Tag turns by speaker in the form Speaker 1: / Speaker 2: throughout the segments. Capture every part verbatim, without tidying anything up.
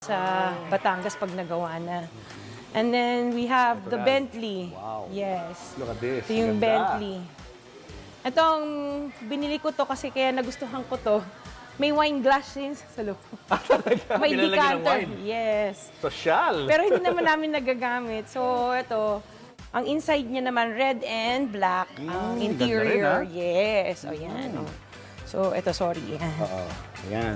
Speaker 1: sa Batangas pag nagawa na. And then we have the Bentley.
Speaker 2: Wow.
Speaker 1: Yes.
Speaker 2: Look at this.
Speaker 1: Ito yung
Speaker 2: Ganda.
Speaker 1: Bentley. Itong binili ko to kasi kaya nagustuhan ko to. May wine glass din sa loob. May
Speaker 2: Pinalagyan ng
Speaker 1: decanter.
Speaker 2: wine.
Speaker 1: Yes.
Speaker 2: Social.
Speaker 1: Pero hindi naman namin nagagamit. So ito, ang inside niya naman red and black. Ang
Speaker 2: Mm,
Speaker 1: interior.
Speaker 2: ganda rin,
Speaker 1: Yes. O yan. Oh. So ito, sorry. Yan.
Speaker 2: Oo. Ayan.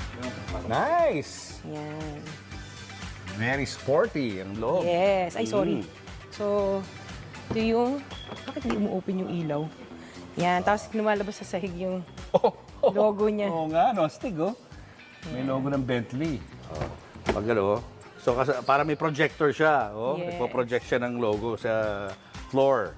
Speaker 2: Nice.
Speaker 1: Yan.
Speaker 2: Very sporty ang loob.
Speaker 1: Yes. Ay, sorry.
Speaker 2: Mm.
Speaker 1: So, ito yung... Bakit hindi umu-open yung ilaw? Yan. Tapos lumalabas sa sahig yung
Speaker 2: Oh, oh,
Speaker 1: logo niya.
Speaker 2: Oo nga, no? Stig, oh. May logo ng Bentley. Oh. Pag ano, so kasi, para may projector siya. Oh.
Speaker 1: Yes.
Speaker 2: Nagpo-project siya ng logo sa floor.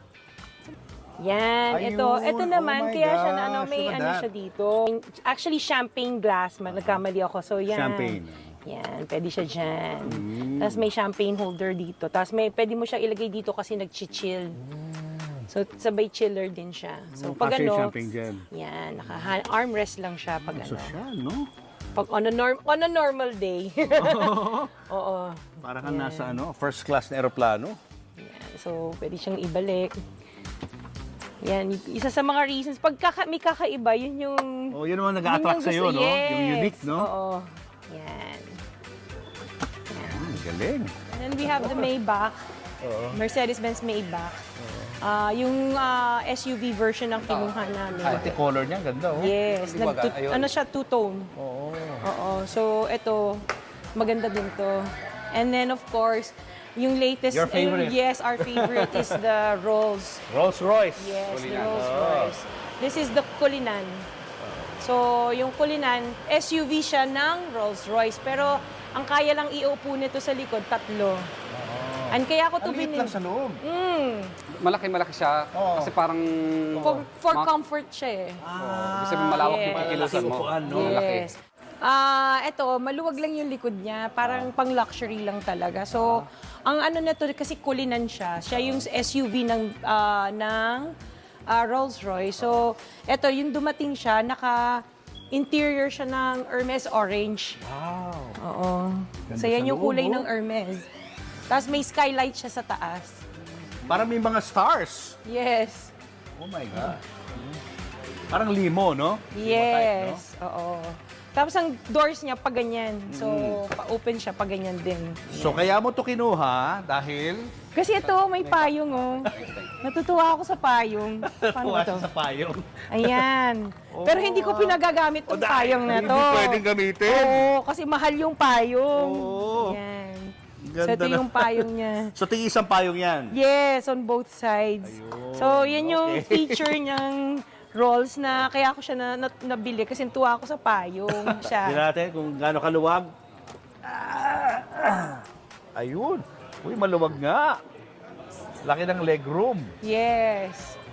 Speaker 1: Yan.
Speaker 2: Ayun.
Speaker 1: Ito. Ito naman.
Speaker 2: Oh my
Speaker 1: kaya siya na ano,
Speaker 2: gosh,
Speaker 1: may
Speaker 2: look at
Speaker 1: ano
Speaker 2: that.
Speaker 1: siya dito. Actually, champagne glass. Nagkamali ako. So, yan.
Speaker 2: Champagne.
Speaker 1: Yan. Pwede siya dyan. Tapos may champagne holder dito. Tapos may, pwede mo siya ilagay dito kasi nag-chill. So, sabay chiller din siya. So,
Speaker 2: Oh,
Speaker 1: pag
Speaker 2: kasi
Speaker 1: ano,
Speaker 2: champagne dyan.
Speaker 1: yan, naka armrest lang siya pag ano.
Speaker 2: Social, no?
Speaker 1: Pag on a, norm, on a normal day. Oo.
Speaker 2: Para kang nasa ano, first class na aeroplano.
Speaker 1: Yan. So, pwede siyang ibalik. Yan, isa sa mga reasons. Pag kaka, may kakaiba, yun yung...
Speaker 2: Oh, yun naman
Speaker 1: yun
Speaker 2: nag-a-attract
Speaker 1: gusto-
Speaker 2: sa'yo, no?
Speaker 1: Yes.
Speaker 2: Yung unique, no?
Speaker 1: Oo. Yan.
Speaker 2: Hmm, galing.
Speaker 1: And then we have the Maybach. Mercedes-Benz Maybach. Ah, yung ah, S U V version ang kinuha namin.
Speaker 2: Pati color niya, ganda, oh.
Speaker 1: Yes. Nag ano siya, two-tone.
Speaker 2: Oo.
Speaker 1: Oo. So, ito, maganda din to. And then, of course, yung latest...
Speaker 2: Your favorite.
Speaker 1: uh, yes, our favorite is the Rolls.
Speaker 2: Rolls Royce.
Speaker 1: Yes, the
Speaker 2: Kulinan.
Speaker 1: Rolls
Speaker 2: Oh.
Speaker 1: Royce. This is the Kulinan. So, yung Kulinan, S U V siya ng Rolls Royce. Pero, ang kaya lang iupo nito sa likod, tatlo. And kaya ako to
Speaker 2: Ang liit
Speaker 1: binili.
Speaker 2: lang sa loob.
Speaker 1: Mm,
Speaker 3: Malaki-malaki siya
Speaker 2: Oo.
Speaker 3: kasi parang
Speaker 1: for for
Speaker 3: Ma-
Speaker 1: comfort siya eh.
Speaker 3: oh, kasi malawak yung
Speaker 1: yes.
Speaker 3: kikilusan mo.
Speaker 2: Upuan, no?
Speaker 3: Malaki.
Speaker 1: Yes. Ah, eto, maluwag lang yung likod niya, parang pang-luxury lang talaga. So, ang ano na to kasi kulinan siya. Siya yung S U V ng ah, ng ah, Rolls-Royce. So, eto yung dumating siya, naka interior siya ng Hermes orange.
Speaker 2: Wow.
Speaker 1: Oo.
Speaker 2: Ganda
Speaker 1: So, yan
Speaker 2: sa
Speaker 1: yung
Speaker 2: loob,
Speaker 1: kulay
Speaker 2: oh.
Speaker 1: ng Hermes. Tapos may skylight siya sa taas.
Speaker 2: Parang may mga stars.
Speaker 1: Yes.
Speaker 2: Oh my God. Parang limo, no? Limo type, no?
Speaker 1: Yes. Oo. Tapos ang doors niya pa ganyan. So, pa-open siya pa ganyan din.
Speaker 2: So kaya mo to kinuha dahil
Speaker 1: Kasi ito, may payong, oh. Natutuwa ako sa payong. Paano ba
Speaker 2: tuwa
Speaker 1: to?
Speaker 2: siya sa payong.
Speaker 1: Ayan. Pero hindi ko pinagagamit
Speaker 2: O
Speaker 1: tong
Speaker 2: dahil
Speaker 1: payong na to.
Speaker 2: Hindi pwedeng gamitin.
Speaker 1: Oo, kasi mahal yung payong.
Speaker 2: Oo.
Speaker 1: Ayan.
Speaker 2: Ganda
Speaker 1: So, ito
Speaker 2: na.
Speaker 1: yung payong niya.
Speaker 2: So tingin isang payong yan.
Speaker 1: Yes, on both sides.
Speaker 2: Ayun.
Speaker 1: So, yan yung
Speaker 2: Okay.
Speaker 1: feature niyang rolls na kaya ako siya na, na, nabili kasi tuwa ako sa payong siya.
Speaker 2: Tingnan natin kung gaano kaluwag. Ah, ah. Ayun. Uy, maluwag nga. Laki ng leg room.
Speaker 1: Yes.